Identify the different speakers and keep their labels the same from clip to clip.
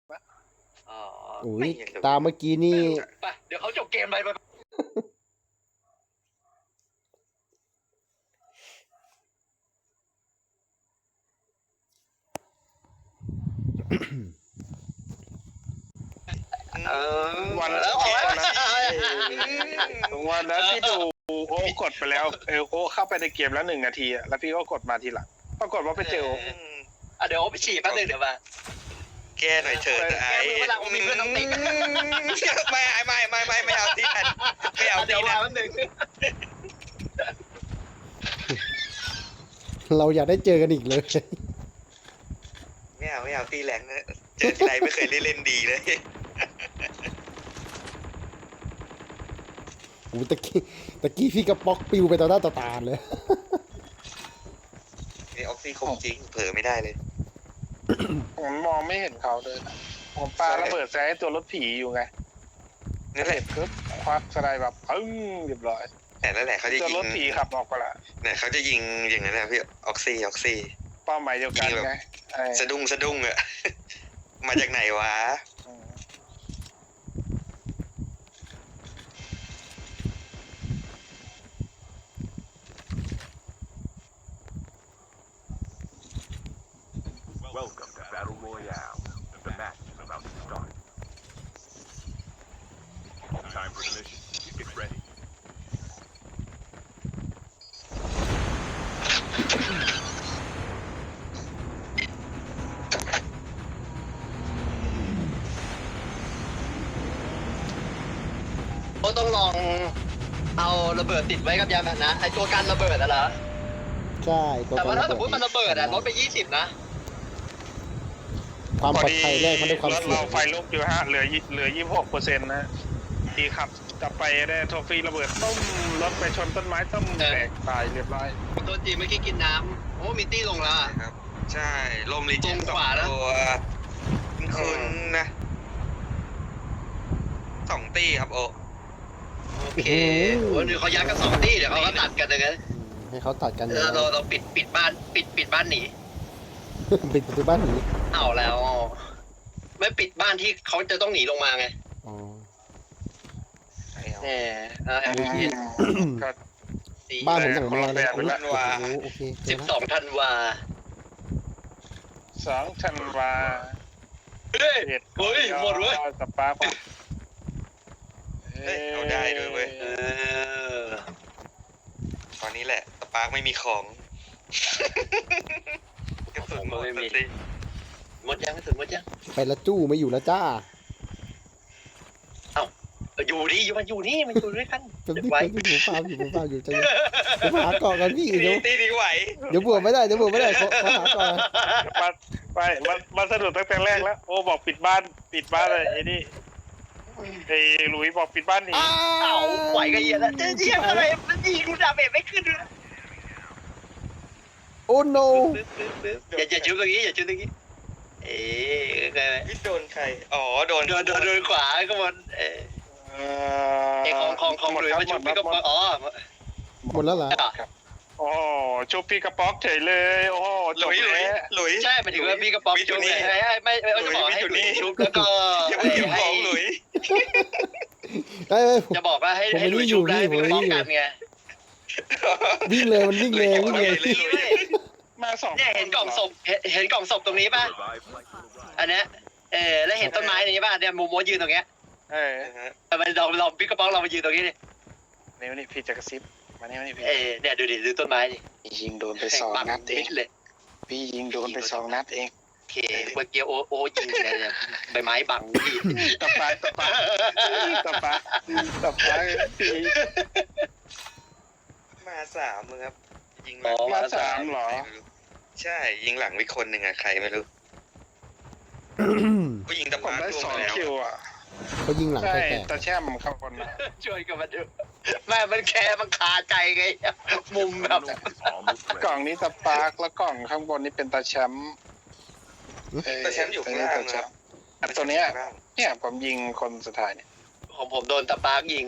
Speaker 1: อ๋อ
Speaker 2: อุ้
Speaker 1: ไม่
Speaker 2: ย
Speaker 1: เห็นเลย
Speaker 2: ตามเมื่อกี้นี่
Speaker 1: ไปเดี๋ยวเขาจบเกมไป
Speaker 3: วัน
Speaker 1: แล้วออกแล้ว
Speaker 3: วันนั้นที่ดูโอ้กดไปแล้วโอ้เข้าไปในเกมแล้ว1 นาทีแล้วพี่ก็กดมาทีหลังปรากฏว่าไปเจอโอ้
Speaker 1: เดี๋ยวไปฉี่แป๊บนึงเดี๋ยวมา
Speaker 4: แก้หน่อยเถิดไอ้
Speaker 1: แก้มือเวลาผมมีเพื่อนต้องติ๊ก
Speaker 4: ไม่เอาที่นั่นไม่เอา
Speaker 1: เดี๋ยว
Speaker 4: ที่
Speaker 1: มา
Speaker 4: นั่น
Speaker 1: แป๊บนึง
Speaker 2: เราอยากได้เจอกันอีกเลย
Speaker 4: ไม่เอาที่แรงนะเจอทีไรไม่เคยได้เล่นดีเลย
Speaker 2: โอ้ตะกี้พี่กระป๊อกปิวไปต่อหน้าต่อตาเลย
Speaker 4: นี่ออกซี่คงจริงเผลอไม่ได้เลย
Speaker 3: ผมมองไม่เห็นเขาเลยนะผมปาระเบิดแซงตัวรถผีอยู่ไง
Speaker 4: นั่นแหละ
Speaker 3: ปึ๊บควักสไลด์แบบปึ้งเรียบร้อย
Speaker 4: แต่นั่นแหละเขาจะ
Speaker 3: ตัว
Speaker 4: ยิ
Speaker 3: รง ถผีขับออกไปละ
Speaker 4: เนี่ยเขาจะยิงอย่างนั้นนะพี่ออกซี่
Speaker 3: เป้าหมายเดียวกันไงไอ้
Speaker 4: สะดุ้งอะ มาจากไหนวะ
Speaker 3: อืม
Speaker 5: Welcome to Battle Royale. The match is about to start. Time for the mission. Get ready.
Speaker 1: เขาต้องลองเอาระเบิดติดไว้กับยานพาหนะไอตัวกันระเบิดอะเหรอ
Speaker 2: ใช่ตัว
Speaker 1: แต่ว่าถ้าสมมติ
Speaker 2: ระ
Speaker 1: มันระเบิดอะลดไป20นะ
Speaker 2: ความปลอดภัยแรกมันด้วยความ
Speaker 3: รถ
Speaker 2: เสี่ย
Speaker 3: เรา
Speaker 2: ง
Speaker 3: ไฟลุกอยู่เหลือ 26%นะดีขับกลับไปได้โทฟี่ระเบิดต้มรถไปชนต้นไม้ต้มแตกตายเรียบร้อย
Speaker 1: ตัวจีนเมื่อกี้กินน้ำโอ้มิตี้ลงแล้วอะ
Speaker 4: ครับ ใช่ลมรีเจน
Speaker 1: ตรงขวานะ
Speaker 4: ตัวคุณนะ2 ตีครับโอ
Speaker 1: โอเคโอ้เดี๋ยวเขายัดกัน2 ที่เดี๋ยวเขาก็ตัดกันเลยนะ
Speaker 2: ให้เขาตัดกัน
Speaker 1: เราปิดบ้านปิดบ้านหนี
Speaker 2: ปิดประตูบ้านหนี
Speaker 1: เอาแล้ว ไม่ปิดบ้านที่เขาจะต้องหนีลงมาไง
Speaker 2: อ๋อ
Speaker 1: แหมLPS
Speaker 3: ก็
Speaker 2: บ้านผมอย่างนอนเลย
Speaker 3: คนละแบบ
Speaker 2: โอเคเจอแล้ว
Speaker 1: 12 ธันวา
Speaker 3: 2 ธันวา
Speaker 1: เฮ้ย
Speaker 3: เอ็ด
Speaker 1: เฮ้ยหมดเว้ย
Speaker 3: สปาร์ค
Speaker 4: เฮ้ยเอาได้ด้วยเว้ย ตอนนี้แหละสปาร์กไม่มีของกระสุนหมดสติ
Speaker 1: หมดยังไม่ถึงหมดยัง
Speaker 2: ไปละจู้ไม่อยู่แล้วจ้า
Speaker 1: อยู่นี่มันอยู่นี่มันอยู่ด้วยกัน
Speaker 2: เป็น
Speaker 1: เก็บ
Speaker 2: ที่
Speaker 1: ไว้
Speaker 2: เป็นที่ผมฟาร์มอยู่ใจเย็นผมหาเกาะกันพี่เดี๋ยว
Speaker 4: ตีนี้ไหว
Speaker 2: เดี๋ยวบวกไม่ได้เขาหาเกาะกัน
Speaker 3: มาสะดุดตั้งแต่แรกแล้ว โอ้บอกปิดบ้านเลยไอ้นี่ไอ้หลุยบอกปิดบ้านหนี
Speaker 1: เอาไหวกันเหี้ยแล้วจะเยี่ยมอะไรมันยิงกูดาเมจไม่ขึ้นเลย
Speaker 2: โอ้โน
Speaker 1: อย่าจุดตรงนี้อย่าจุดตรงนี้เอ๊ะ
Speaker 4: พี่โดนใครอ๋อโดน
Speaker 1: โดนขวาก็มันเอ๊ะของ
Speaker 3: หมด
Speaker 1: หรือ
Speaker 3: ครับ
Speaker 1: มา
Speaker 3: หม
Speaker 1: ชุ
Speaker 3: ด
Speaker 1: บ
Speaker 3: ครั
Speaker 1: พี่
Speaker 3: บ
Speaker 1: ก็
Speaker 3: หมด
Speaker 1: อ๋อ
Speaker 2: หมดแล้วเหรอ
Speaker 3: โอ้ชุบพี่กระป๊อกเฉยเลยโอ้โห
Speaker 4: ห
Speaker 3: จ
Speaker 4: ลุ
Speaker 3: บ
Speaker 4: ย
Speaker 3: แล้ว
Speaker 4: หลุย
Speaker 1: ใช่หมายถึงว่าพี่กระป๋องชุบไงไม่จะบอกให้ชุบแล้วก็
Speaker 4: อย่าเพิ่งเก็บของหลุย
Speaker 2: เอ้ย
Speaker 1: จะบอกว่าให้
Speaker 2: ผมไม่
Speaker 1: หลุย
Speaker 2: ได้อยู่
Speaker 1: ชุบได้
Speaker 2: พี่
Speaker 1: พี่กระป๋อง
Speaker 2: ผมไม่ได้อยู่
Speaker 1: กันไง
Speaker 2: วิ่งเลยมันวิ่งเลยวิ่งเลย
Speaker 3: มาสอง
Speaker 1: เนี่ยเห็นกล่องศพเห็นกล่องศพตรงนี้ป่ะ
Speaker 5: Revive flight will arrive.
Speaker 1: อันเนี้ยแล้วเห็นต้นไม้นี้ป่ะเนี่ยโมโมยืนตรงเนี้ย มันลองพี่กระป๋องเรามายืนตรงนี้ดิ
Speaker 3: นี่พี่จะกระซิบมานี่พี่
Speaker 1: เนี่ยดูต้นไม้ดิ
Speaker 3: ยิงโดนไป2 นัดเอง
Speaker 1: เลย
Speaker 3: พี่ยิงโดนไป2 นัดเอง
Speaker 1: โอเคเมื่อกี้โอยิงเนี่ยใบไม้บังพี่
Speaker 3: ตะปาพี่
Speaker 4: มา3มึงครับ ยิง
Speaker 3: มา3เหรอ
Speaker 4: ใช่ยิงหลังวิคนหนึ่งอะใครไม่รู้ก็ยิงตะ
Speaker 3: ผม
Speaker 4: ปา
Speaker 3: ได้
Speaker 4: ร่วงไปแล้ว
Speaker 3: 2 คิวอ่ะ
Speaker 2: เขายิงหลัง
Speaker 3: ใช่
Speaker 2: แตก
Speaker 3: ตาแช่มข้างบนนะ
Speaker 1: ช่วยกันมาดูแม่มันแค่มันคาใจไงมุมแบบ
Speaker 5: Is almost
Speaker 3: กล่อ
Speaker 5: ready.
Speaker 3: งนี้ตะปาร์กแล้วกล่องข้างบนนี่เป็นตาแชมป์
Speaker 4: แต่แชมป์อยู่ข้างล่างนะครับ
Speaker 3: อันตัวเนี้ยเนี่ยผมยิงคนสุดท้ายเนี่ย
Speaker 1: ของผมโดนตะปาร์กยิง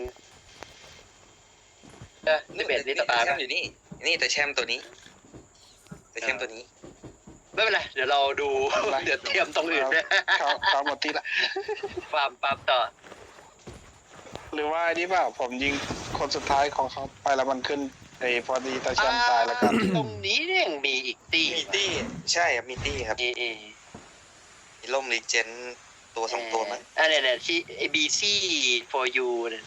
Speaker 1: นี่เบ็ดนี่ตะปาร์ก
Speaker 4: แชมป์อยู่นี่แต่แชมป์ตัวนี้แต่แชมป์ตัวนี้
Speaker 1: ไม่เป็นไรเดี๋ยวเราดูเดี๋ยวเตรียมตรงอื่นด้วย
Speaker 3: เขาหมดที่ละ
Speaker 1: ฟาร์มปั๊บต่อ
Speaker 3: หรือว่าอันนี้เปล่าผมยิงคนสุดท้ายของเขาไปแล้วมันขึ้นไอ้พอดีตาชันตายแล้วกัน
Speaker 1: ตรงนี้เนี่ยยังมีอีกตี
Speaker 4: มีตี้ใช่ครับมีตี้ครับ มีล่มรีเจนตัวสองตัวมั้ง
Speaker 1: อันเนี่ยที่ ABC for you เนี่ย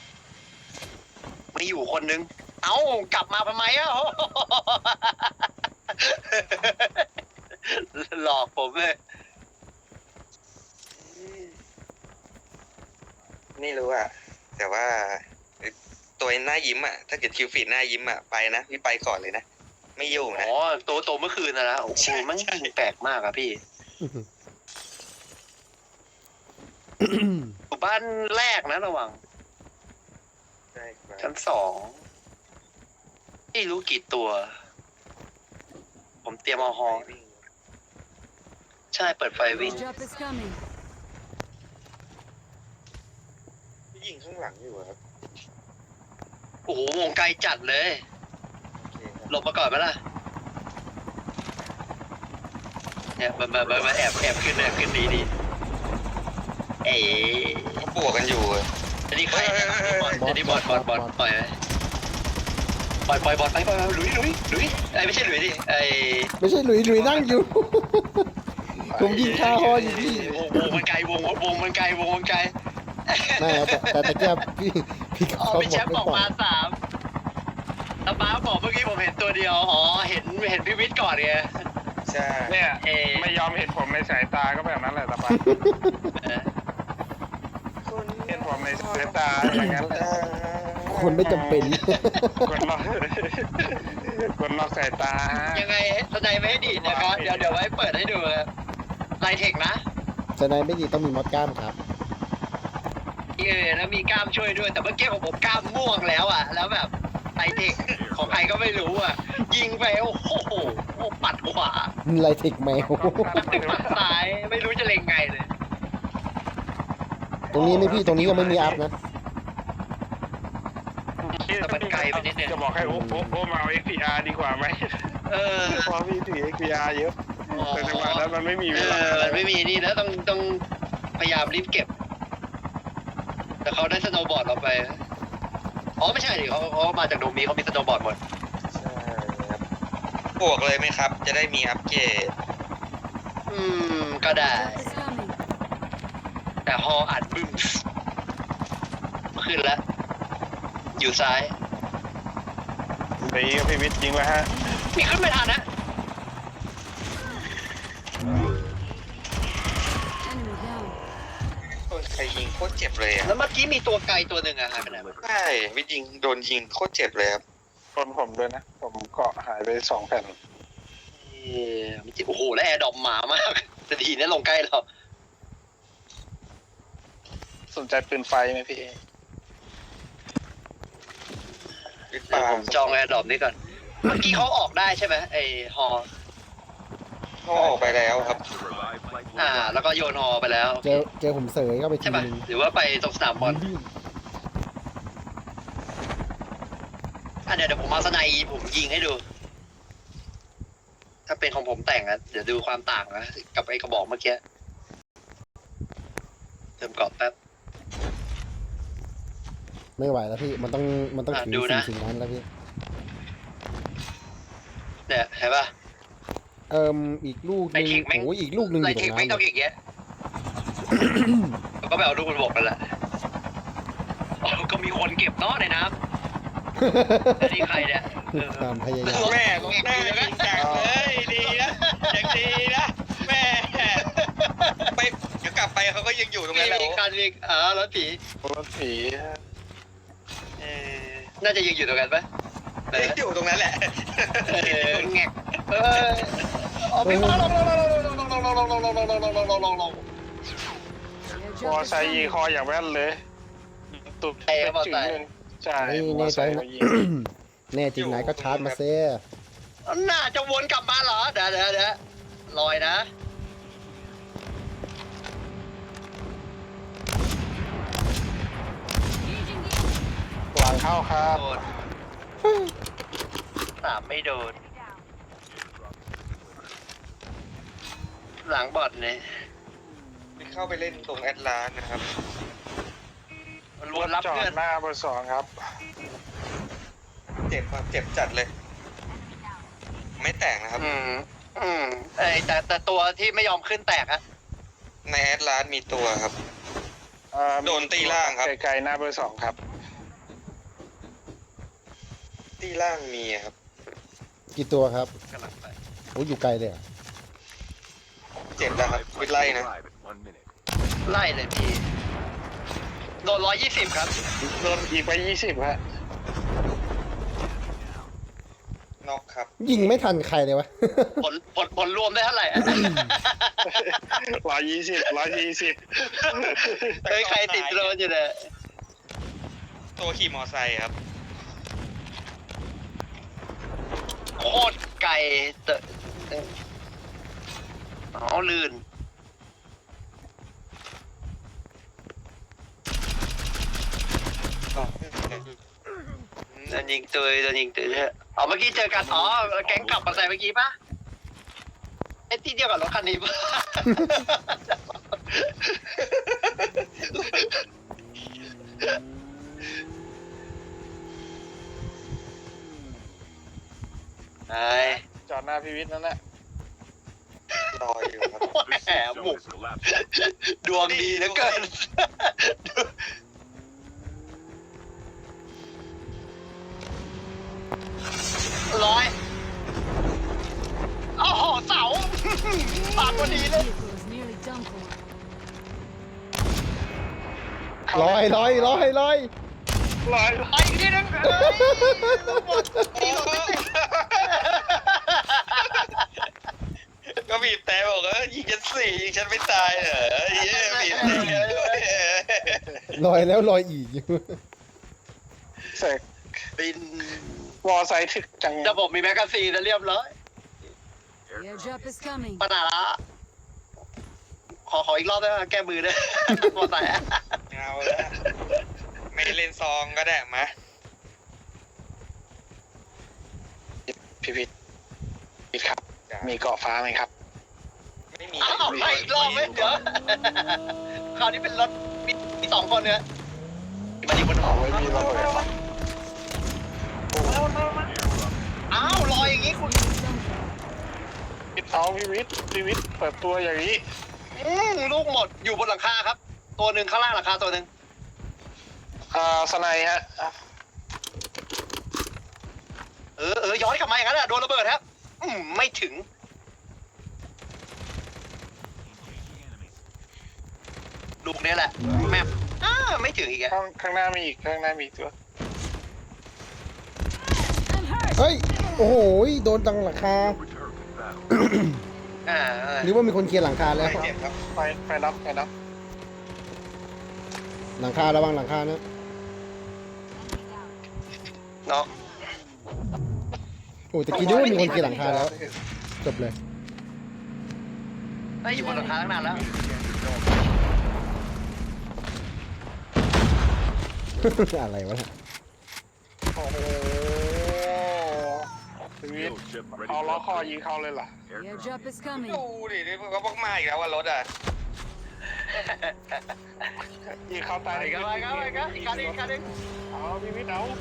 Speaker 1: ไม่อยู่คนนึงเอ้ากลับมาทำไมอ่ะ หลอกผมเลย
Speaker 4: ไม่รู้อ่ะแต่ว่าตัวหน้ายิ้มอ่ะถ้าเกิดคิวฟีดหน้ายิ้มอ่ะไปนะพี่ไปก่อนเลยนะไม่ยุ่งนะ
Speaker 1: อ๋อตัวเมื่อคืนนะโอ้โหมันแปลกมากอะพี่อยู่บ้านแรกนะระวัง
Speaker 4: ใช่ครับ
Speaker 1: ชั้น2ไม่รู้กี่ตัว ผมเตรียมเอาฮอใช่เปิดไฟวิ่ง
Speaker 6: Drop is coming.
Speaker 4: พี่ยิงข้างหลังอยู่อะครับ
Speaker 1: โอ้โหวงไกลจัดเลย
Speaker 4: โอเคครับ
Speaker 1: หลบมาก่อนไหมล่ะเนี่ยมาแอบขึ้นดีเอ๋
Speaker 4: เขาบวกกันอยู่อะ
Speaker 1: อันนี้ใครอันนี้บอลปล่อยไปปล่อยบอลไปหลุยไอ้ไม่ใช่หลุยดิไอ้
Speaker 2: ไม่ใช่หลุยนั่งอยู่ ผมยิงคาฮออยู่พี่
Speaker 1: วงมันไกลวงมันไกล
Speaker 2: ไม่แต่ตะเกียบพี่ก็
Speaker 1: อ๋อ
Speaker 2: เขา
Speaker 1: พี่แชมป์
Speaker 2: บบ อ
Speaker 1: อก ก
Speaker 2: ไม่
Speaker 1: มา
Speaker 2: ปล่อย
Speaker 1: 3แล้วป้าบอกเมื่อกี้ผมเห็นตัวเดียวอ๋อเห็นพี่วิทย์ก่อนไง
Speaker 4: ใช่
Speaker 3: เนี่ย
Speaker 1: เอ
Speaker 3: ไม่ยอมเห็นผมในสายตาก็แบบนั้นแหละตาปาเห็นผมในสายตาอย่างนั้นแหละ
Speaker 2: คนไม่จำเป็น
Speaker 3: กดล็อกสายตา
Speaker 1: ยังไงสนใจไม่ให้ดีดนะครับเดี๋ยวไว้เปิดให้ดูไลเทคนะ
Speaker 2: จะนายไม่ดีต้องมีมอดกล้ามครับ
Speaker 1: แล้วมีกล้ามช่วยด้วยแต่เมื่อกี้ของผมกล้ามม่วงแล้วอ่ะแล้วแบบไลเทคของใครก็ไม่รู้อ่ะยิงไปโอ้โหปัดขวา
Speaker 2: ไลเทคแมว
Speaker 1: ปัดซ้ายไม่รู้จะเล็งไงเลย
Speaker 2: ตรงนี้ไม่พี่ตรงนี้ยังไม่มีอัพนะ
Speaker 1: แต่มันไกลไปนิดนึง
Speaker 3: จะบอกให้โอ้มาเอา XPR ดีกว่าไหม เพราะพี่ถือ XPR เยอะแต่จังหวะนั้นมันไม่มีเวลา
Speaker 1: มันไม่มีนี่แล้วต้องพยายามรีบเก็บ แต่เขาได้สโนว์บอร์ดเราไปอ๋อไม่ใช่ดิเขามาจากโดมีเขามีสโนว์บอร์ดหมด
Speaker 4: ใช่ครับบวกเลยไหมครับ จะได้มีอัปเกรด
Speaker 1: ก็ได้
Speaker 6: Drop is coming.
Speaker 1: แต่ฮออัดบึ้มขึ้นแล้ว อยู่ซ้าย
Speaker 3: นี่ก็พี่วิทย์ยิงแล้วฮะ
Speaker 1: มีขึ้นไม่ทันนะ
Speaker 6: Enemy down.
Speaker 4: โดนใครยิงโคตรเจ็บเลยอ่ะ
Speaker 1: แล้วเมื่อกี้มีตัวไกลตัวหนึ่งอะหายไปไหนวะ
Speaker 4: ใช่วิทย์ยิงโดนยิงโคตรเจ็บเลยครับ
Speaker 3: คนผมด้วยนะ ผมเกาะหายไป2 แผ่น
Speaker 1: โอ้โหแล้วแอร์ดรอปหมามากแต่ดีนะลงใกล้เรา
Speaker 3: สนใจปืนไฟไหมพี่
Speaker 4: วิทย์
Speaker 1: เดี๋ยว
Speaker 4: ปา
Speaker 1: ผมจองแอร์ดรอปนี้ก่อน เมื่อกี้เขาออกได้ใช่ไหมไอฮอ
Speaker 4: เขาออกไปแล้วครับ
Speaker 5: The revived flight will
Speaker 1: แล้วก็โยนฮอไปแล้ว
Speaker 2: เจอผมเสยเข้าไปที
Speaker 1: ใช่ป่ะ
Speaker 2: นึง
Speaker 1: หรือว่าไปตรงสนามบอลเดี๋ยวผมเอาสไนด์ผมยิงให้ดู ถ้าเป็นของผมแต่งอะเดี๋ยวดูความต่างนะกับไอ้กระบอกเมื่อกี้เติมกรอบแป๊บ
Speaker 2: ไม่ไหวแล้วพี่มันต้องถึง
Speaker 1: ดูนะ
Speaker 2: สิ่งนั้นแล้วพี่
Speaker 1: เนี่ยเห็นป่ะ
Speaker 2: อีกลูกหนึง
Speaker 1: ไลเทคแม่ง
Speaker 2: โอ้ยอีกลูกหนึงอ
Speaker 1: ไล
Speaker 2: ยู่ตร
Speaker 1: เทค
Speaker 2: ง
Speaker 1: ไม่
Speaker 2: นั้น
Speaker 1: ต้องอย่างเงี้ย แล้วก็ไปเอาลูกบนบกกันแหละอ๋อก็มีคนเก็บเนาะในน้ำแต่นี่ใครเนี่ย
Speaker 2: ความพยายาม
Speaker 4: แม่ของแม่ยิงจังเลยดีนะอย่างดีนะแม่ไปเดี๋ยวกลับไปเขาก็ยังอยู่ตรงนั้นแหละ
Speaker 1: มีคันมีรถผี
Speaker 3: รถผี
Speaker 1: น่าจะยังอยู่ตรงกันปะ
Speaker 4: ยังอยู่ตรงนั้นแหละ
Speaker 1: แงกเอาพี่มาลง
Speaker 3: มอไซค์ยิงคออย่างแว่นเลยตุกเป็นจุดหนึ่งใช่
Speaker 2: นี่
Speaker 3: มอ
Speaker 2: แน่
Speaker 3: ไซ
Speaker 2: ใจ
Speaker 3: ค์
Speaker 2: นะ
Speaker 3: มายิง
Speaker 2: แน่จริงไหนก็ชาร์จมาเซ่
Speaker 1: น่าจะวนกลับมาเหรอเดี๋ยวลอยนะ
Speaker 3: หลังเข้าครับ
Speaker 1: โดน3ไม่โดนหลังบอดเนี่ย
Speaker 4: เข้าไปเล่นตรงแอตลาสนะครับ
Speaker 1: รวนรับ
Speaker 3: จอ
Speaker 1: เพื่อ
Speaker 3: ด
Speaker 1: น
Speaker 3: หน้าเบอร์สองครับ
Speaker 4: เจ็บครับเจ็บจัดเลย ไม่แตกนะครับ
Speaker 1: แต่ตัวที่ไม่ยอมขึ้นแตกอะ
Speaker 4: ในแอตลาสมีตัวครับ โดนตีล่างครับ
Speaker 3: ไกลๆหน้าเบอร์สองครับ
Speaker 4: ที่ล่างมีครับ
Speaker 2: กี่ตัวครับ
Speaker 1: กำลังไป
Speaker 2: โอ้อยู่ไกลเลยเหรอ
Speaker 4: เจ็บแล้วครับ
Speaker 5: Live
Speaker 4: วิทไล่
Speaker 5: flight
Speaker 4: นะ
Speaker 5: will arrive in 1 minute.
Speaker 1: ไล่เลยพี่โดน120ครับ
Speaker 3: โดนอีกไป20ฮะ
Speaker 4: นอกครับ
Speaker 2: ยิงไม่ทันใครเลยวะ
Speaker 1: ผลรวมได้เท่าไหร่อะ
Speaker 3: 120
Speaker 1: เฮ้ยใครติดโดนอยู่เนี่ย
Speaker 4: ตัวขี่มอไซค์ครับ
Speaker 1: โคตรไกลอ๋อลื่นโดนยิงตัวโดนยิงตัวเนี่ยอ๋อเมื่อกี้เจอกันอ๋อแก๊งกลับมาใส่เมื่อกี้ปะไอ้ที่เดียวกับรถคันนี้ปะ ไอ้
Speaker 3: จอดหน้าพิวิทย์นั่นแหละ
Speaker 4: รออยู่ครับ
Speaker 5: The
Speaker 1: แหม
Speaker 5: safe
Speaker 1: บุ
Speaker 5: zone
Speaker 1: ก
Speaker 5: is collapsing.
Speaker 1: ดวงดีเหลือเกิน ร้อยโอ้โหเสาปากพอดีเลย
Speaker 6: Vehicle is nearly done for.
Speaker 2: ลอย
Speaker 3: ร้อย
Speaker 1: ไปอีกทีนึงเอ้ยหมดทีหมดไม่ติด
Speaker 4: ก็บีบแต่บอกว่ายิงฉันสี่ยิงฉันไม่ตายเหรอเย้บีบแต่
Speaker 2: ลอยแล้วลอยอีก
Speaker 3: เสก
Speaker 1: บิน
Speaker 3: วอไซค์ถึกจัง
Speaker 1: ระบบมีแมกกาซีนแล้วเรียบร้อย
Speaker 6: The airdrop is coming.
Speaker 1: ปัญหาละขออีกรอบได้ไหมแก้มือด้วย มอไซค์อะ
Speaker 4: เอาละไม่เล่นซองก็ได้มา
Speaker 3: พิวิทย์ครับ มีเกาะฟ้าไหมครับ
Speaker 4: ไม่มี
Speaker 1: อ้าวไปอีกรอบไหมเดี๋ยวคราวนี้เป็นรถมีสองคนเนี่ยมาดีคน
Speaker 3: เอาไว้มีระเบิด
Speaker 1: อ้าวลอยอย่างงี้คุณ
Speaker 6: Nearly done for.
Speaker 3: เอาพิวิทย์เปิดตัวอย่างนี้
Speaker 1: ลูกหมดอยู่บนหลังคาครับ ตัวหนึ่งข้างล่างหลังคาตัวหนึ่ง
Speaker 3: สไนฮะ
Speaker 1: ย้อนกลับมาอย่างนั้นแหละโดนระเบิดครับไม่ถึง ลูกนี้แหละแมปไม่ถึงอีกอะ
Speaker 3: ข้างหน้ามีอีกตัว
Speaker 6: I'm hurt.
Speaker 2: เฮ้ย โอ้โห โดนตังหลังคา
Speaker 5: Return to battle.
Speaker 2: หรือว่ามีคนเคลียร์หลังคาแล้ว
Speaker 4: ไม่เจ็บครับ
Speaker 3: ไปรับ
Speaker 2: หลังคาระวังหลังคานะ
Speaker 1: เนาะ
Speaker 2: โอ้ตะกี้นึกว่ามีคนเคลียร์หลังคาแล้ว จบเลย
Speaker 1: อยู่บนหลังคาตั้งนานแล้ว
Speaker 2: อะไรวะเนี่ย
Speaker 3: โอ้โหพิวิท
Speaker 5: Kill ship ready
Speaker 3: เอา
Speaker 5: for
Speaker 3: ล้อคอ
Speaker 5: upgrade.
Speaker 3: ยิงเขาเลยเหรอ
Speaker 6: The airdrop is coming.
Speaker 4: ดูดินี่เขาบอกมาอีกแล้วว่ารถอ่ะ
Speaker 3: ยิงเขาตาย
Speaker 1: ไปกันอีกคันหนึ่ง
Speaker 3: เอาพิวิทเอา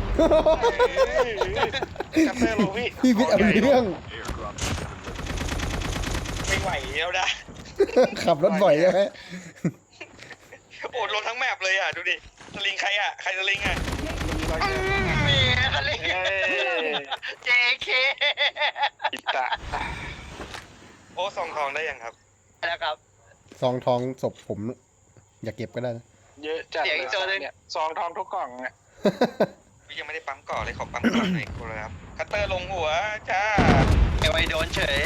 Speaker 3: จับเตอร์ลงพี่
Speaker 2: พี่วิทย์เอาเรื่อง
Speaker 5: Airdrop.
Speaker 4: ไม่ไหวแล้วนะ
Speaker 2: ขับรถบ่อยใช่ไหม
Speaker 4: โอ้ลงทั้งแมปเลยอ่ะดูดิสลิงใครอ่ะใครสลิงอ่ะ
Speaker 1: มีอะไร JK
Speaker 3: อิตะ
Speaker 4: โอ้ซองทองได้ยังครับ
Speaker 1: แล้วครับ
Speaker 2: ซองทองศพผม อย่าเก็บก็ได้นะ
Speaker 3: เยอะจัด
Speaker 1: เสียงอีกตัวหนึ่ง
Speaker 3: เนี่ยซองทองทุกกล่องเนี่ย
Speaker 4: พี่ยังไม่ได้ปั๊มก่อนเลยขอปั๊มก่อนหน่อยครับคัตเตอร์ลงหัวจ้า
Speaker 1: ไอ้ไวโดนเฉย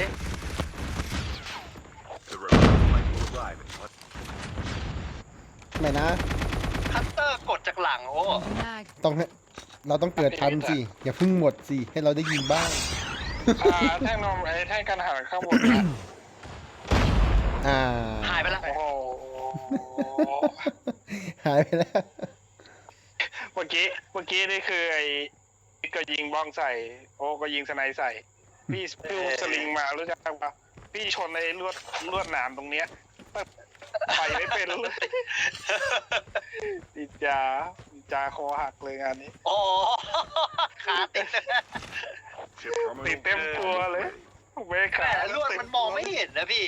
Speaker 5: The return flight will arrive in 1.
Speaker 2: ไม่นะ
Speaker 1: คัตเตอร์กดจากหลังโอ้
Speaker 6: Mag.
Speaker 2: ต้องให้เราต้องเกิดทันสิ อย่าเพิ่งหมดสิ ให้เราได้ยิงบ้าง
Speaker 3: แท่งนมแท่งกันหันข้างบนนะ
Speaker 1: หายไปแล้ว
Speaker 3: โอ้โห
Speaker 2: หายไปแล้ว
Speaker 3: เมื่อกี้นี่คือไอ้ก็ยิงบ้องใส่ โอ้ก็ยิงสไนใส่ พี่สลิงมารู้จักปะพี่ชนในลวดหนามตรงเนี้ยไปไม่เป็นเลยดีจาคอหักเลยงานนี้
Speaker 1: อ๋อขาติด
Speaker 5: Ship
Speaker 3: ติด
Speaker 5: terminal
Speaker 3: เต็มตัวเลยเว
Speaker 1: แต่
Speaker 3: ขา
Speaker 1: ลวดมันมองไม่เห็นนะพี่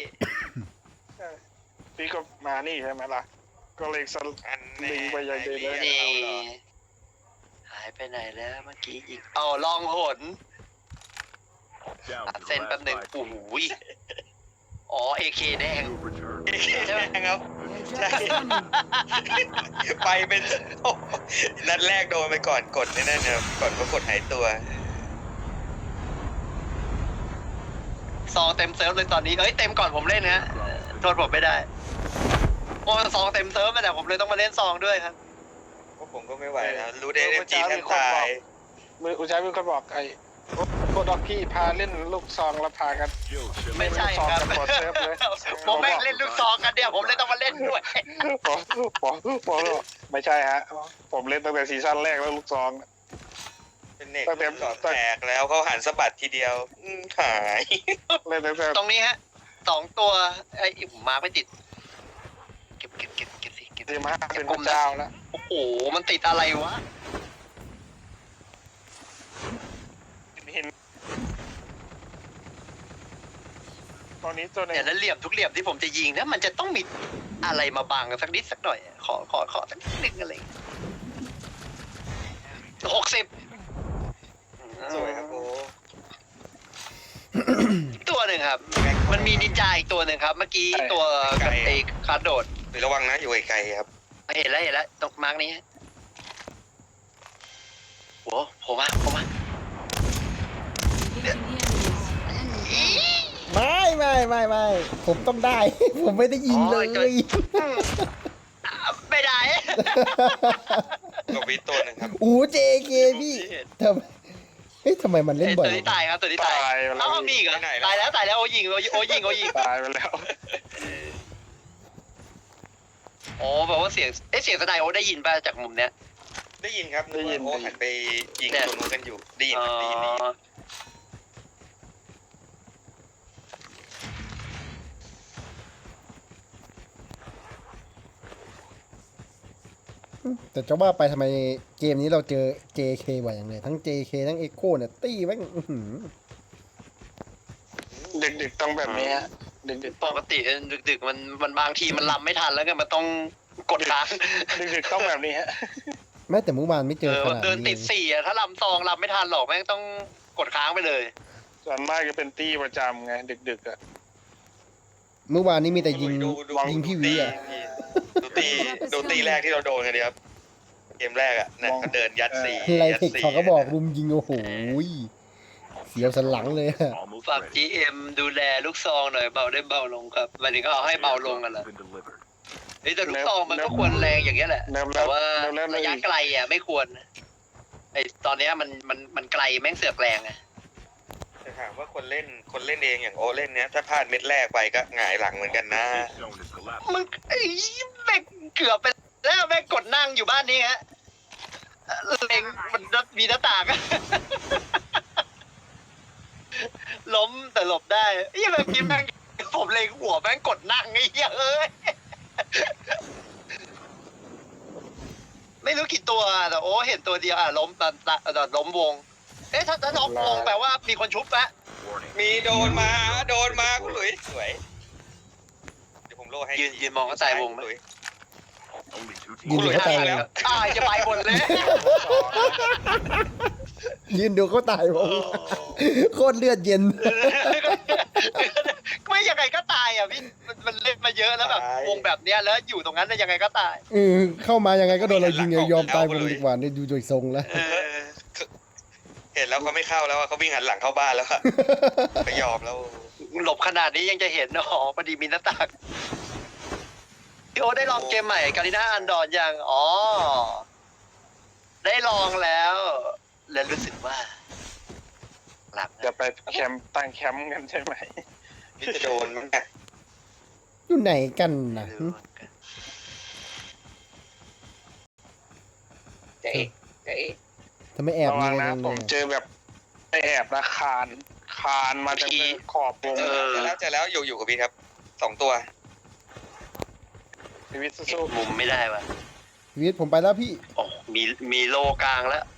Speaker 3: พี่ก็มานี่ใช่ไหมล่ะ ก็เลยสล
Speaker 4: อัน
Speaker 3: ลิงไปยังเดินเลย
Speaker 1: นี่หายไปไหนแล้วเมื่อกี้อีกเอาลองหน
Speaker 5: down
Speaker 1: ตัด
Speaker 5: to
Speaker 1: เส้น
Speaker 5: the
Speaker 1: แป๊บ
Speaker 5: last
Speaker 1: หนึ่ง
Speaker 5: 5
Speaker 1: โอ้โห
Speaker 5: feet.
Speaker 1: อ๋อเอเคแดง
Speaker 5: You've returned.
Speaker 4: ใช่ไหมครับ
Speaker 6: Airdrop is coming.
Speaker 4: ไปเป็นโอ้นัดแรกโดนไปก่อนกดนั่นนะก่อนก็กดหายตัว
Speaker 1: ซองเต็มเซิร์ฟเลยตอนนี้เอ้ยเต็มก่อนผมเล่นนะโทษผมไม่ได้โอ้ซองเต็มเซิร์ฟมาแต่ผมเลยต้องมาเล่นซองด้วยครับ
Speaker 4: พวกผมก็ไม่ไหวแล้วรู้ได้เล่นจีนกันตาย
Speaker 3: มืออุชัยเป็นคนบอกไอ้โคดอกกี้พาเล่นลูกซองแล้วพากัน
Speaker 5: Kill ship
Speaker 1: ไม่ใช่ครับ
Speaker 3: เล่นลูกซองกันหมดเซิร์ฟเลย
Speaker 1: ผมไม่งเล่นลูกซองกันเดียวผมเลยต้องมาเล่นด้วย
Speaker 3: ผมไม่ใช่ฮะ ผมเล่นตั้งแต่ซีซั่นแรกแล้วลูกซอง
Speaker 4: เป็นเน็ก
Speaker 3: ตั้งแต่
Speaker 4: สอดแตกแล้วเขาหันสะบัดทีเดียวหาย
Speaker 3: เล่นตั้งแต่
Speaker 1: ตรงนี้ฮะ2 ตัวไอ้ผมมาไม่ติดเก็บสิเก็บ
Speaker 3: ทีม5เป็นพระเจ้าแล้ว
Speaker 1: โอ้โหมันติดอะไรวะ
Speaker 3: เห็นตอนนี้ตัวไหน
Speaker 1: เนี่ยแล้วเหลี่ยมทุกเหลี่ยมที่ผมจะยิงนะมันจะต้องมีอะไรมาบังกันสักนิดสักหน่อยขอสักนิดนึงอะไร60
Speaker 4: สวยครับโอ้
Speaker 1: ตัวหนึ่งครับ มันมีนินจาอีกตัวหนึ่งครับ เมื่อกี้ตัวกับไอ้คาร์ดโดด
Speaker 4: ระวังนะอยู่ไกลๆครับ
Speaker 1: เห็นแล้วตรงมาร์กนี้ฮะโอ้ผมมา
Speaker 6: Engaging the enemies.
Speaker 2: ไม่ผมต้องได้ ผมไม่ได้ยิงเลย
Speaker 1: ไม่ได้
Speaker 4: ก็วิตัวหนึ่งครับ
Speaker 2: อู้เจเคพี่ทำไมเฮ้ยทำไมมันเล่นบ่
Speaker 1: ตั
Speaker 2: อ
Speaker 1: วย นี้ตายครับตัวนี้ตาย
Speaker 3: ตายไปแล้ว
Speaker 1: เอ้ามีอีกเหรอตายแล้วโอยิง
Speaker 3: ตายไปแล้ว
Speaker 1: อ๋อแบบว่าเสียงสไนโอได้ยินป่ะจากมุมเนี้ย
Speaker 4: ได้ยินครับได้ยินโอ้หันไปยิงตัวนู้นกันอยู่ได้ยิน
Speaker 1: อ๋อ
Speaker 4: ครับได้ยิน
Speaker 2: แต่จะว่าไปทำไมเกมนี้เราเจอ JK บ่อยอย่างเลยทั้ง JK ทั้ง Echo เนี่ยตี้แม่งอื้อหือ
Speaker 3: ดึกๆต้องแบบนี้ฮะดึกๆ
Speaker 1: ป
Speaker 3: ต้อง
Speaker 1: กติดึกๆมันบางทีมันลำไม่ทันแล้วไงมันต้องกดค้าง
Speaker 3: ดึกๆต้องแบบนี้ฮะ
Speaker 2: แม้แต่เมื่อวานไม่เจอขนาด
Speaker 1: เดินติ
Speaker 2: นี้
Speaker 1: ด4อะถ้าลำซองลำไม่ทันหรอกแม่งต้องกดค้างไปเลย
Speaker 3: ส่วนมากจะเป็นตี้ประจำไงดึกๆอ่ะ
Speaker 2: เมื่อวานนี้มีแต่ยิง
Speaker 4: ดู
Speaker 2: ยิงพี่วีอ่ะ
Speaker 4: ดูตีแรกที่เราโดนกันดีครับเกมแรกอ่ะนะเขาเดินยัดสี่
Speaker 2: ไล
Speaker 4: ยัด
Speaker 2: เทค
Speaker 4: สี่
Speaker 2: เขาก็บอกรุมยิงโอ้โหเสียวสันหลังเลยอะ
Speaker 5: Almost
Speaker 1: ฝาก
Speaker 5: ready.
Speaker 1: GM ดูแลลูกซองหน่อยเบาได้เบาลงครับหมายถึงเขาเอาให้เบาลงกันเหรอ
Speaker 5: Been delivered.
Speaker 1: เฮ้ยแต่ลูกซองมันก็ควรแรงอย่างเงี้ยแหละ
Speaker 3: เริ่ม
Speaker 1: แต่
Speaker 3: แล้ว
Speaker 1: ว่า
Speaker 3: เริ่มแล้ว
Speaker 1: ระยะไกลอ่ะไม่ควรไอตอนเนี้ยมันไกลแม่งเสือกแรงอ่ะ
Speaker 4: แต่ถามว่าคนเล่นเองอย่างโอเล่นเนี้ยถ้าพลาดเม็ดแรกไปก็หงายหลังเหมือนกันนะ
Speaker 5: This zone is collapsing.
Speaker 1: มึงไอ้แม่งเกือบไปแล้วแม่งกดนั่งอยู่บ้านนี้ฮะเล็งมันมีหน้าต่าง ล้มแต่หลบได้ไอ้เมื่อกี้แม่งผมเล็งหัวแม่งกดนั่งไอ้เหี้ยเอ้ยไม่รู้กี่ตัวแต่โอ้เห็นตัวเดียวล้มล้มวง เอ๊ะถ้าล้มวงแปลว่ามีคนชุบปะ
Speaker 5: Warning.
Speaker 4: มีโดนมาคุณหลุยสวยเดี๋ยวผมโล่ให้
Speaker 1: ยืนมองก็ตายวงไหม
Speaker 4: หลุย
Speaker 5: Only 2
Speaker 2: ยืน
Speaker 5: teams.
Speaker 2: ดูเขาตาย
Speaker 4: แล้ว
Speaker 1: จะไปหมดเลย
Speaker 2: ยืนดูเขาตายผมโคตรเลือดเย็น
Speaker 1: ไม่ยังไงก็ตายอ่ะพี่มันเล่นมาเยอะแล้วแบบวงแบบเนี้ยแล้วอยู่ตรงนั้นยังไงก็ตาย
Speaker 2: เข้ามายังไงก็โดนเรายิงยอมตายวงดีกว่าเนี่ยดูโดยทรงแล้ว
Speaker 4: เห็นแล้วเขาไม่เข้าแล้วอะเขาวิ่งหันหลังเข้าบ้านแล้วอะไม่ยอมแล้ว
Speaker 1: หลบขนาดนี้ยังจะเห็นอ๋อพอดีมีหน้าต่างพี่โอได้ลองเกมใหม่กาลิน่าอันดอนยังอ๋อได้ลองแล้วรู้สึกว่าหลับ
Speaker 3: จะไปแคมป์ตั้งแคมป์กันใช่ไหม
Speaker 4: นี่จะโดนมั้งเนี่ย
Speaker 2: อยู่ไหนกันนะ
Speaker 4: เจ๊
Speaker 2: ทำไมแอบ
Speaker 3: ระวั
Speaker 2: ยิ
Speaker 3: ง
Speaker 2: ง
Speaker 3: นะ
Speaker 2: กัน
Speaker 3: ผม
Speaker 2: เลย
Speaker 3: เจอแบบไอแอบนะคานผ่านมาจากขอบวง
Speaker 4: เจอแล้วอยู่กับพี่ครับ2 ตัว
Speaker 3: ชีวิต
Speaker 1: เก็
Speaker 3: สู้
Speaker 1: บมุมไม่ได้ว่ะ
Speaker 2: วิทย์ผมไปแล้วพี่
Speaker 1: โอ้มีโลกลางแล้ว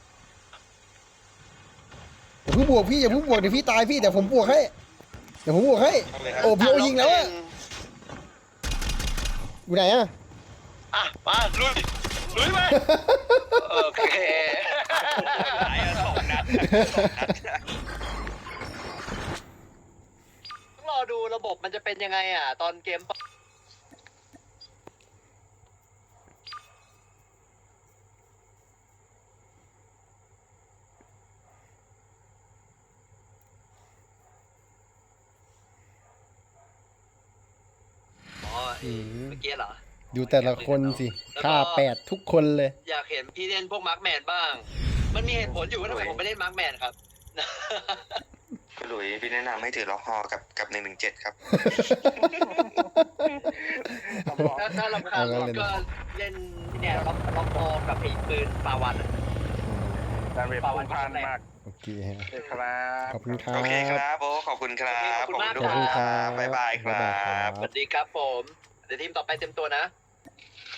Speaker 2: อย่าเพิ่งบวกพี่อย่าเพิ่งบวกเดี๋ยวพี่ตายพี่เดี๋ยวผมบวกให้เดี๋ยวผมบวกให้โอ้พี่โอยิงแล้วอะอยู่ไหนอะ
Speaker 1: อ่ะมาลุยไปโอเค
Speaker 4: หาย2 นัด
Speaker 1: ต้องรอดูระบบมันจะเป็นยังไงอ่ะ ตอนเกมเมื่อกี้เหรอ
Speaker 2: ดูแต่ละคนสิฆ่า8ทุกคนเลย
Speaker 1: อยากเห็นพี่เล่นพวกมาร์คแมนบ้าง มันมีเหตุผลอยู่ว่าทำไมผมไม่เล่นมาร์คแมนครับ
Speaker 4: คุณหลุยพี่แนะนำให้ถือล็อกฮอกับ117ครับ
Speaker 1: ถ้ารำคาญรถก็เล่นเนี่ยล็อกคอกับไอ้ปืนปาวันอะ
Speaker 3: ดาเมจพุ่งพล่านมาก
Speaker 2: โอเคฮะ
Speaker 3: ครับ
Speaker 2: ขอบคุณครั
Speaker 4: โอเคค
Speaker 2: บ
Speaker 4: รับโอ้ขอบคุณครับ
Speaker 1: ขอบคุณมาก
Speaker 4: ทุ
Speaker 2: ขอบคุณ
Speaker 4: ก
Speaker 2: ค
Speaker 4: ค
Speaker 2: รั
Speaker 4: รับ บ๊ายบายครับ
Speaker 1: สวัสดีครับผม เดี๋ยวทีมต่อไปเต็มตัวนะ